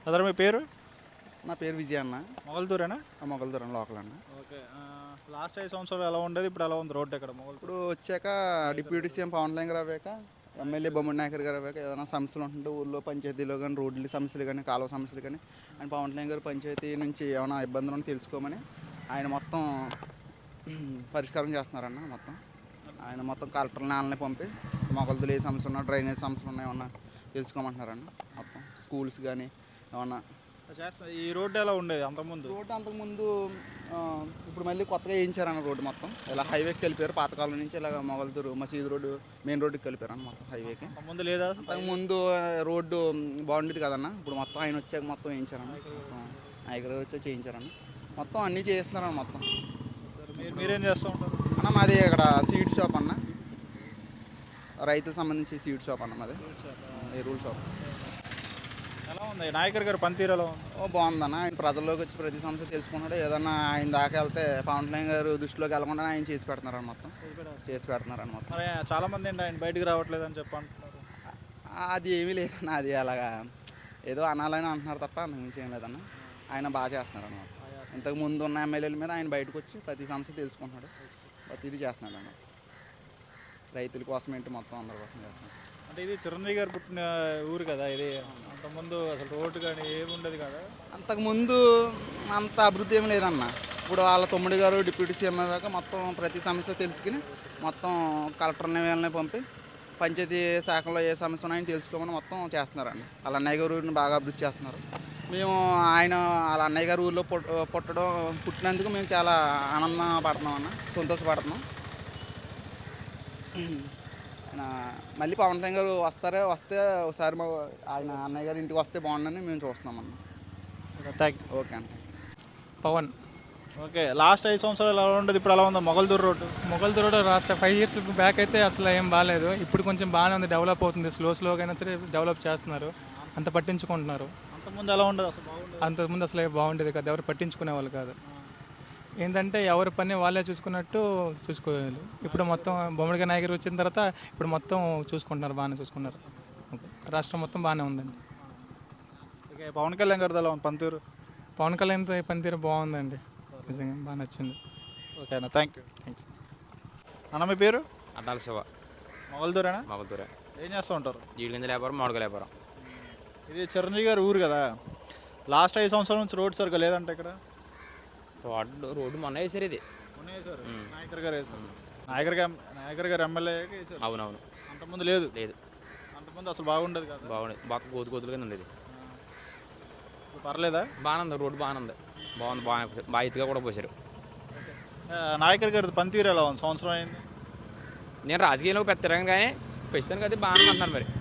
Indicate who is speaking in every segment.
Speaker 1: Other మీ పేరు?
Speaker 2: నా పేరు విజయ్ అన్న.
Speaker 1: మొగల్తూరేనా?
Speaker 2: మొగల్దూరం లోకల్ అన్న.
Speaker 1: ఓకే. లాస్ట్ 5 సంవత్సరాలు ఎలా ఉండేది? ఇప్పుడు ఎలా ఉంది రోడ్డు ఎక్కడ మొగల్తూరు?
Speaker 2: ఇప్పుడు వచ్చాక డిప్యూటీ సీఎం పవన్ కళ్యాణ్ గారు అవ్వాక, ఎమ్మెల్యే బొమ్మడి నాయకర్ గారు అవ్వాక ఏదైనా సమస్యలు ఉంటుంటే ఊళ్ళో పంచాయతీలో కానీ రోడ్ల సమస్యలు కానీ కాలువ సమస్యలు కానీ అండ్ పవన్ కళ్యాణ్ గారు పంచాయతీ నుంచి ఏమైనా ఇబ్బందులు ఉంటే తెలుసుకోమని ఆయన మొత్తం పరిష్కారం చేస్తున్నారన్న. ఆయన మొత్తం కలెక్టర్ నాన్నని పంపి మొగల్తూరు ఏ సమస్యలు ఉన్నా, డ్రైనేజ్ సమస్యలు ఉన్నాయి ఏమన్నా తెలుసుకోమంటున్నారన్న. మొత్తం స్కూల్స్ కానీ ఏమన్నా
Speaker 1: ఈ రోడ్డు ఎలా ఉండేది అంతకుముందు?
Speaker 2: రోడ్డు అంతకుముందు ఇప్పుడు మళ్ళీ కొత్తగా వేయించారన్న. రోడ్డు మొత్తం ఇలా హైవేకి కలిపారు. పాతకాలం నుంచి ఇలాగ మొగల్తూరు మసీదు రోడ్డు మెయిన్ రోడ్డుకి కలిపారు అన్న మొత్తం హైవేకి.
Speaker 1: ముందు లేదా?
Speaker 2: అంతకుముందు రోడ్డు బాగుండేది కదన్న. ఇప్పుడు మొత్తం ఆయన వచ్చాక మొత్తం వేయించారన్న. నాయకులు వచ్చి చేయించారన్న. మొత్తం అన్నీ చేస్తున్నారన్న మొత్తం.
Speaker 1: మీరేం చేస్తూ ఉంటారు
Speaker 2: అన్న? మాది ఇక్కడ సీడ్ షాప్ అన్న, రైతులకు సంబంధించి సీడ్ షాప్ అన్న మాది, ఎరువుల షాప్.
Speaker 1: ఎలా ఉంది నాయకర్ గారు పనితీరు ఎలా ఉంది?
Speaker 2: బాగుందన్న. ఆయన ప్రజల్లోకి వచ్చి ప్రతి సమస్య తెలుసుకున్నాడు. ఏదన్నా ఆయన దాకా వెళ్తే పవన్ కళ్యాణ్ గారు దృష్టిలోకి వెళ్ళకుండా ఆయన చేసి పెడుతున్నారని మొత్తం మొత్తం.
Speaker 1: మరి చాలా మంది ఏంటి ఆయన బయటికి రావట్లేదు అని చెప్పి అంటున్నారు.
Speaker 2: అది ఏమీ లేదన్న. అది అలాగా ఏదో అనాలని అంటున్నారు తప్ప అంతకుమించి ఏం లేదన్న. ఆయన బాగా చేస్తున్నారు అన్నమాట. ఇంతకు ముందు ఉన్న ఎమ్మెల్యేల మీద ఆయన బయటకు వచ్చి ప్రతి సమస్య తెలుసుకుంటున్నాడు, ప్రతిదీ చేస్తున్నాడు అన్నమాట. రైతుల కోసం ఏంటి మొత్తం అందరి కోసం చేస్తున్నాడు.
Speaker 1: అంటే ఇది చిరంజీవి గారు పుట్టిన ఊరు కదా ఇది. అంతకుముందు అసలు రోడ్డు కానీ ఏమి ఉండదు కదా.
Speaker 2: అంతకుముందు అంత అభివృద్ధి ఏమి లేదన్న. ఇప్పుడు వాళ్ళ తమ్ముడు గారు డిప్యూటీ సీఎం అయ్యాక మొత్తం ప్రతి సమస్య తెలుసుకుని మొత్తం కలెక్టర్ని వీళ్ళని పంపి పంచాయతీ శాఖలో ఏ సమస్య ఉన్నాయని తెలుసుకోమని మొత్తం చేస్తున్నారండి. వాళ్ళ అన్నయ్య గారు ఊరిని బాగా అభివృద్ధి చేస్తున్నారు. మేము వాళ్ళ అన్నయ్య గారు ఊళ్ళో పుట్టినందుకు మేము చాలా ఆనందపడుతున్నాం అన్న, సంతోషపడుతున్నాం. ఆయన మళ్ళీ పవన్ కళ్యాణ్ గారు వస్తే ఒకసారి ఆయన అన్నయ్య గారి ఇంటికి వస్తే బాగుండని మేము చూస్తున్నాం అన్న.
Speaker 1: Thank you.
Speaker 2: ఓకే అన్న.
Speaker 3: పవన్.
Speaker 1: ఓకే. లాస్ట్ 5 సంవత్సరాలు ఎలా ఉండదు, ఇప్పుడు ఎలా ఉంది Mogalturu road?
Speaker 3: Mogalturu road last 5 years back అయితే అసలు ఏం బాగాలేదు. ఇప్పుడు కొంచెం బాగానే ఉంది, డెవలప్ అవుతుంది. స్లోగా అయినా సరే డెవలప్ చేస్తున్నారు, అంత పట్టించుకుంటున్నారు.
Speaker 1: అంతకుముందు ఎలా ఉండదు అసలు?
Speaker 3: అంతకుముందు అసలు బాగుండేది కాదు, ఎవరు పట్టించుకునే వాళ్ళు కాదు. ఏంటంటే ఎవరి పని వాళ్ళే చూసుకున్నట్టు చూసుకోవాలి. ఇప్పుడు మొత్తం బొమ్మడిగా నాయకుడు వచ్చిన తర్వాత ఇప్పుడు మొత్తం చూసుకుంటున్నారు, బాగానే చూసుకున్నారు. రాష్ట్రం మొత్తం బాగానే ఉందండి.
Speaker 1: ఓకే. పవన్ కళ్యాణ్ గారిది ఎలా ఉంది పనితీరు?
Speaker 3: పవన్ కళ్యాణ్ పనితీరు బాగుందండి, నిజంగా బాగా నచ్చింది.
Speaker 1: ఓకే అన్న, థ్యాంక్ యూ. అన్న మీ పేరు?
Speaker 4: అడ్డాల శివ.
Speaker 1: మొగల్తూరేనా?
Speaker 4: మొగల్తూరే.
Speaker 1: ఏం చేస్తూ ఉంటారు?
Speaker 4: జీడిగింజ వ్యాపారం, మామిడికాయ వ్యాపారం.
Speaker 1: ఇది చిరంజీవి గారి ఊరు కదా. లాస్ట్ 5 సంవత్సరాల నుంచి రోడ్ సరిగ్గా లేదంటే ఇక్కడ.
Speaker 4: రోడ్డు మొన్న వేసారు, ఇది
Speaker 1: మొన్న వేసారు, నాయకర్ గారు వేసారు. నాయకర్ గారు ఎమ్మెల్యే వేసారు.
Speaker 4: అవునవును.
Speaker 1: అంతకుముందు లేదు.
Speaker 4: లేదు,
Speaker 1: అంతకుముందు అసలు బాగుండేది కదా.
Speaker 4: బాగుండేది, బాగా గోతులు కింద ఉండేది.
Speaker 1: పర్లేదా?
Speaker 4: బాగానే ఉంది, రోడ్డు బాగానే ఉంది, బాగుంది, బాగా ఎత్తుగా కూడా పోసారు.
Speaker 1: నాయకర్ గారి పనితీరు ఎలా ఉంది? సంవత్సరం అయింది.
Speaker 4: నేను రాజకీయంలో పెద్ద తిరగను కానీ ప్రస్తుతానికి అయితే బాగానే అంటున్నారు. మరి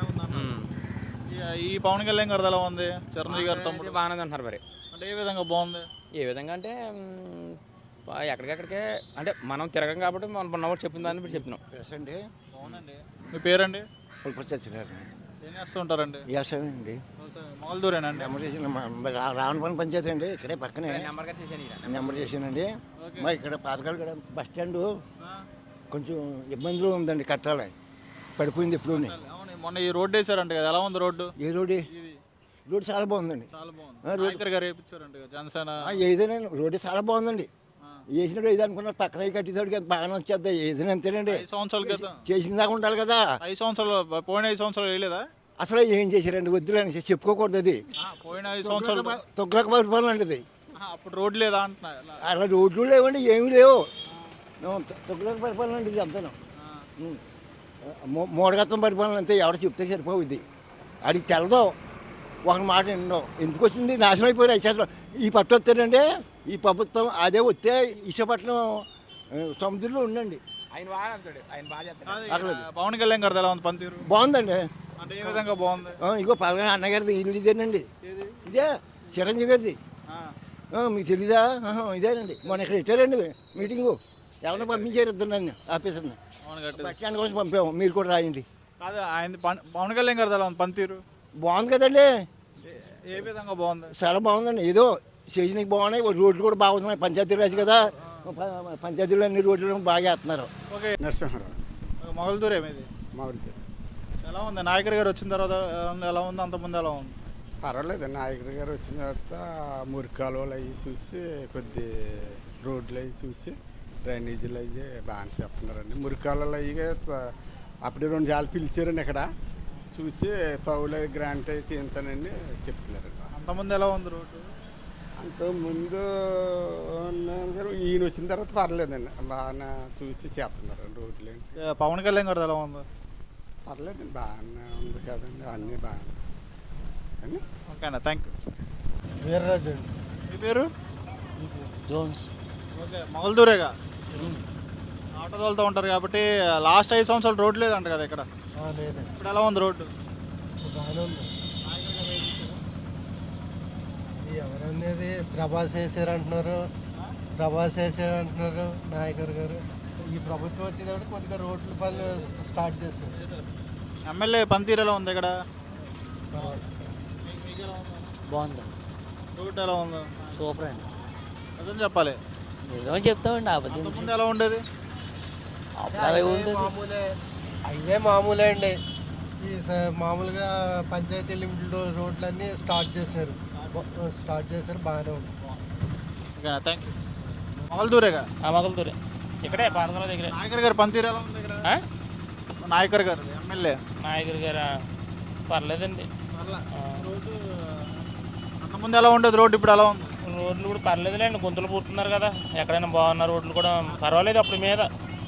Speaker 1: ఈ పవన్ కళ్యాణ్ గారిది ఎలా ఉంది? చిరంజీవి గారి తమ్ముడు
Speaker 4: బాగానే అంటున్నారు. మరి
Speaker 1: అంటే ఏ విధంగా బాగుంది?
Speaker 4: ఏ విధంగా అంటే ఎక్కడికెక్కడికే అంటే మనం తిరగం కాబట్టి మనం ఉన్నవాడు చెప్పిన దాన్ని బట్టి చెప్తున్నాం.
Speaker 1: బాగుందండి. మీ పేరండి? ఏం చేస్తూ ఉంటారండి?
Speaker 5: వ్యవసాయం
Speaker 1: మొగల్తూరేనండి?
Speaker 5: రావణపల్లి పంచాయతీ అండి, ఇక్కడే పక్కనే నెంబర్ చేసానండి. మా ఇక్కడ పాతకాలు కూడా బస్ స్టాండ్ కొంచెం ఇబ్బందులు ఉందండి, కట్టాలి, పడిపోయింది ఎప్పుడు.
Speaker 1: మొన్న ఈ రోడ్డు వేసారంట కదా, ఎలా ఉంది రోడ్డు?
Speaker 5: ఏ రోడ్డు? రోడ్డు చాలా బాగుందండి.
Speaker 1: చాలా బాగుంది. నాయకర్ గారు వేయించారంట జనసేన.
Speaker 5: ఏదైనా రోడ్డు చాలా బాగుందండి. వేసినప్పుడు ఏది అనుకున్నారు, పక్కన కట్టేసరికి బాగానే వచ్చేద్దా, ఏదైనా అంతేనండి.
Speaker 1: 5 సంవత్సరాల క్రితం
Speaker 5: చేసిన దాకా ఉండాలి కదా.
Speaker 1: 5 సంవత్సరాలు పోయిన 5 సంవత్సరాలు వేయలేదా?
Speaker 5: అసలు ఏం చేశారండి, వద్దులని చెప్పుకోకూడదు. అది
Speaker 1: పోయిన 5 సంవత్సరాలు
Speaker 5: తొగ్గులకు పరిపాలన అండి.
Speaker 1: అప్పుడు రోడ్డు లేదా అంటున్నా?
Speaker 5: అలా రోడ్లు లేవండి, ఏమీ లేవు. తొగ్గులకు పరిపాలన అండి ఇది అంతాను. మూడగత్వం పరిపాలన అంతే, ఎవరు చెప్తే సరిపోవుద్ది. అది తెలదో, ఒక మాట ఎన్నో ఎందుకు వచ్చింది, నాశనం అయిపోయారు 5 సంవత్సరాలు. ఈ పట్టు వస్తారంటే ఈ ప్రభుత్వం అదే వస్తే విశాఖపట్నం సముద్రంలో ఉండండి.
Speaker 1: పవన్ కళ్యాణ్ గారిది ఎలా ఉంది పనితీరు?
Speaker 5: బాగుందండి.
Speaker 1: అంటే ఏ విధంగా బాగుంది?
Speaker 5: ఇగో పలగా అన్నగారిది ఇల్లు ఇదేనండి, ఇదే చిరంజీవి గారిది. మీకు తెలీదా? ఇదేనండి. మొన్న ఇక్కడ పెట్టారండి మీటింగు, ఎవరిని పంపించారు ఇద్దరు నన్ను ఆఫీసర్ని. బస్ స్టాండ్ కోసం పంపాము, మీరు కూడా రాయండి.
Speaker 1: కాదు ఆయన పవన్ కళ్యాణ్ గారిది ఎలా ఉంది పనితీరు?
Speaker 5: బాగుంది కదండి.
Speaker 1: ఏ విధంగా బాగుంది?
Speaker 5: చాలా బాగుందండి. ఏదో స్టేషన్కి బాగున్నాయి, రోడ్లు కూడా బాగున్నాయి. పంచాయతీ రాజు కదా, పంచాయతీలో అన్ని రోడ్లు బాగా వేస్తున్నారు.
Speaker 1: ఓకే.
Speaker 5: నరసింహారావు.
Speaker 1: మొగల్తూరు ఏమిది?
Speaker 5: మామిడికాయ
Speaker 1: ఎలా ఉంది? నాయకర్ గారు వచ్చిన తర్వాత ఎలా ఉంది, అంతకుముందు ఎలా ఉంది?
Speaker 6: పర్వాలేదు నాయకుడు గారు వచ్చిన తర్వాత మురికి కాలువలు అవి చూసి కొద్ది రోడ్లు అవి చూసి డ్రైనేజీలు అవి బాగానే చేస్తున్నారండి. మురికి కాలువలు అవి అప్పుడే 2 సార్లు పిలిచారండి ఇక్కడ చూసి తౌలు గ్రాంట్ అవి చేస్తానండి చెప్తున్నారండి.
Speaker 1: అంతకుముందు ఎలా ఉంది రోడ్డు?
Speaker 6: అంతకుముందు ఈయన వచ్చిన తర్వాత పర్లేదండి, బాగా చూసి చేస్తున్నారండి రోడ్లు ఏంటి.
Speaker 1: పవన్ కళ్యాణ్ గారు ఎలా ఉంది?
Speaker 6: పర్లేదండి, బాగానే ఉంది కదండి, అన్నీ బాగానే అని.
Speaker 1: ఓకేనా, థ్యాంక్ యూ.
Speaker 7: వీర్రాజు అండి.
Speaker 1: మీ పేరు?
Speaker 7: జోన్స్.
Speaker 1: ఓకే, మొగల్దూరేగా ఆటో తోలుతూ ఉంటారు కాబట్టి లాస్ట్ 5 సంవత్సరాలు రోడ్డు లేదంట కదా ఇక్కడ.
Speaker 7: లేదండి,
Speaker 1: ఇప్పుడు ఎలా ఉంది రోడ్డు?
Speaker 7: బాగానే ఉంది. ఎవరనేది ప్రభాస్ వేసారంటున్నారు, నాయకర్ గారు. ఈ ప్రభుత్వం వచ్చేటప్పుడు కొద్దిగా రోడ్ల పనులు స్టార్ట్ చేశారు.
Speaker 1: ఎమ్మెల్యే పనితీరు ఎలా ఉంది ఇక్కడ?
Speaker 8: బాగుంది,
Speaker 1: రోడ్డు ఎలా ఉంది?
Speaker 8: సూపర్ అండి.
Speaker 1: అదని చెప్పాలి.
Speaker 8: నిజం చెప్తామండి, అబద్ధం
Speaker 1: ముందు ఎలా ఉండేది?
Speaker 7: అవే మామూలే అండి. ఈ మామూలుగా పంచాయతీ లిమిటెడ్ రోడ్లన్నీ స్టార్ట్ చేశారు, బాగానే ఉంది.
Speaker 1: ఓకేనా, థ్యాంక్ యూ. మొగల్దూరేగా?
Speaker 9: మొగల్దూరే, ఇక్కడే పార్దల దగ్గర.
Speaker 1: నాయకర్ గారి పనితీరు ఎలా ఉంది ఇక్కడ? నాయకర్ గారు ఎమ్మెల్యే.
Speaker 9: నాయకుడి గారు పర్లేదండి.
Speaker 1: రోడ్డు అంతకుముందు ఎలా ఉండేది రోడ్డు, ఇప్పుడు ఎలా ఉంది?
Speaker 9: రోడ్లు కూడా పర్లేదులేండి, గుంతలు పుడుతున్నారు కదా, ఎక్కడైనా బాగున్న రోడ్లు కూడా పర్వాలేదు అప్పుడు మీద.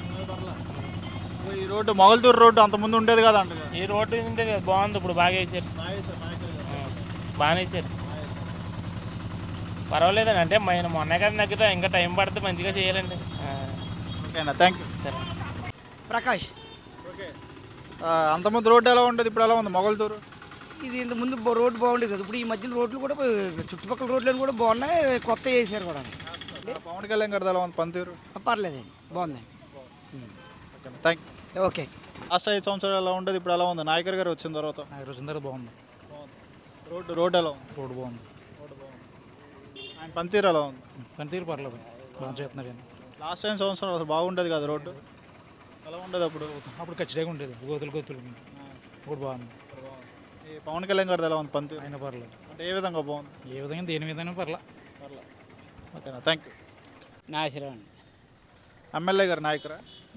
Speaker 1: ఈ రోడ్డు మొగల్దూరు రోడ్డు అంతకుముందు ఉండేది కదా అంట.
Speaker 9: ఈ రోడ్డు ఉండేది బాగుంది, ఇప్పుడు బాగా వేసారు, బాగానే వేసారు. పర్వాలేదండి, అంటే మొన్నే కదా తగ్గితే ఇంకా టైం పడితే మంచిగా చేయాలండి.
Speaker 1: ఓకేనా, థ్యాంక్ యూ.
Speaker 9: సరే.
Speaker 8: ప్రకాష్.
Speaker 1: ఓకే, అంతకుముందు రోడ్డు ఎలా ఉండేది, ఇప్పుడు ఎలా ఉంది మొగల్దూరు?
Speaker 8: ఇది ఇంత ముందు రోడ్డు బాగుండేది కదా, ఇప్పుడు ఈ మధ్యన రోడ్లు కూడా చుట్టుపక్కల రోడ్లు కూడా బాగున్నాయి, కొత్త వేసారు కూడా.
Speaker 1: పవన్ కళ్యాణ్ గారు ఎలా ఉంది పనితీరు?
Speaker 8: పర్లేదండి, బాగుందండి.
Speaker 1: ఓకేనా, థ్యాంక్ యూ.
Speaker 8: ఓకే.
Speaker 1: లాస్ట్ 5 సంవత్సరాలు ఎలా ఉండేది, ఇప్పుడు ఎలా ఉంది? నాయకర్ గారు వచ్చిన తర్వాత
Speaker 9: బాగుంది.
Speaker 1: రోడ్డు ఎలా ఉంది?
Speaker 9: రోడ్డు బాగుంది.
Speaker 1: ఆయన పనితీరు ఎలా ఉంది?
Speaker 9: పనితీరు పర్లేదు, బాగా చేస్తున్నారు.
Speaker 1: లాస్ట్ 5 సంవత్సరాలు అసలు బాగుండేది కదా రోడ్డు, ఎలా ఉండేది అప్పుడు?
Speaker 9: అప్పుడు ఖచ్చితంగా ఉండేది, గోతులు ఇప్పుడు బాగుంది.
Speaker 1: ఈ పవన్ కళ్యాణ్ గారిది ఎలా ఉంది పనితీరు?
Speaker 9: అయినా పర్లేదు,
Speaker 1: అంటే ఏ విధంగా బాగుంది?
Speaker 9: ఏ విధంగా దేని విధంగా పర్లేదు.
Speaker 1: ఓకేనా, థ్యాంక్ యూ.
Speaker 8: నాశనం అండి.
Speaker 1: ఎమ్మెల్యే గారు నాయకురా?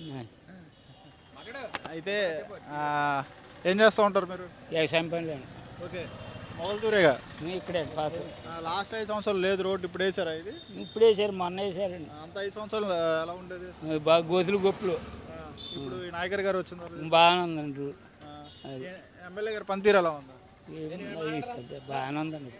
Speaker 1: అయితే ఏం చేస్తూ ఉంటారు మీరు?
Speaker 8: వ్యవసాయం పనులు
Speaker 1: ఓకే, మొగల్దూరేగా
Speaker 8: ఇక్కడే పాత.
Speaker 1: లాస్ట్ 5 సంవత్సరాలు లేదు రోడ్డు, ఇప్పుడు వేసారా ఇది?
Speaker 8: ఇప్పుడు వేసారు, మొన్న వేసారండి.
Speaker 1: అంత 5 సంవత్సరాలు ఎలా ఉండేది?
Speaker 8: బాగా గోతులు గొప్పలు.
Speaker 1: ఇప్పుడు ఈ నాయకర్ గారు వచ్చిన తర్వాత
Speaker 8: బాగానే ఉందండి.
Speaker 1: ఎమ్మెల్యే గారు పనితీరు ఎలా ఉంది?
Speaker 8: బాగానే ఉందండి.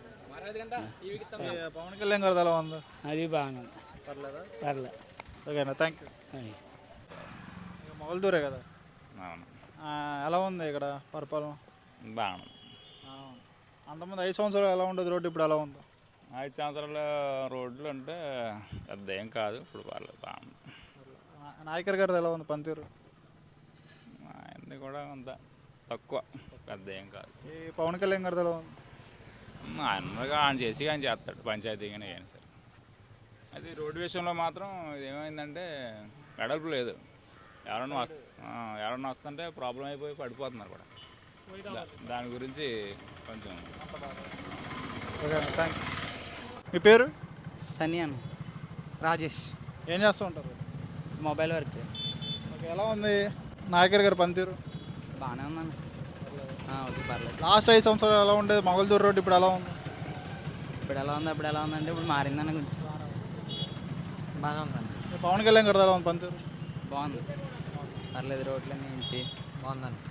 Speaker 1: పవన్ కళ్యాణ్ గారిది ఎలా ఉంది?
Speaker 8: అది బాగానే ఉంది,
Speaker 1: పర్లేదా?
Speaker 8: పర్లేదు.
Speaker 1: ఓకేనా, థ్యాంక్ యూ. మొగల్దూరే కదా, ఎలా ఉంది ఇక్కడ పరిపాలన?
Speaker 9: బాగుంది.
Speaker 1: అంతకుముందు 5 సంవత్సరాలు ఎలా ఉండేది రోడ్డు, ఇప్పుడు ఎలా ఉంది?
Speaker 9: 5 సంవత్సరాల రోడ్లు అంటే పెద్ద ఏం కాదు, ఇప్పుడు పర్లేదు, బాగుంది.
Speaker 1: నాయకర్ గారిది ఎలా ఉంది పనితీరు?
Speaker 9: ఆయనది కూడా అంత తక్కువ, పెద్ద ఏం కాదు.
Speaker 1: ఈ పవన్ కళ్యాణ్ గారిది ఎలా ఉంది?
Speaker 9: ఆయన చేసి ఆయన చేస్తాడు, పంచాయతీగానే కానీ సరే. అది రోడ్డు విషయంలో మాత్రం ఏమైందంటే వెడల్పు లేదు, ఎవరన్నా వస్తుంటే ప్రాబ్లం అయిపోయి పడిపోతున్నారు కూడా. దాని గురించి కొంచెం.
Speaker 1: Okay, thank you. మీ పేరు?
Speaker 8: సనియాన్ రాజేష్.
Speaker 1: ఏం చేస్తూ ఉంటారు?
Speaker 8: Mobile work.
Speaker 1: ఓకే, ఎలా ఉంది నాయకర్ గారి పనితీరు?
Speaker 8: బాగానే ఉందండి, ఓకే పర్లేదు.
Speaker 1: లాస్ట్ 5 సంవత్సరాలు ఎలా ఉండేది మొగల్దూరు రోడ్డు, ఇప్పుడు ఎలా ఉంది?
Speaker 8: ఇప్పుడు ఎలా ఉందంటే ఇప్పుడు మారిందని కొంచెం బాగా ఉందండి.
Speaker 1: పవన్ కళ్యాణ్ గారిది ఎలా ఉంది పనితీరు?
Speaker 8: బాగుంది, పర్లేదు, రోడ్లన్నీ నుంచి బాగుందండి.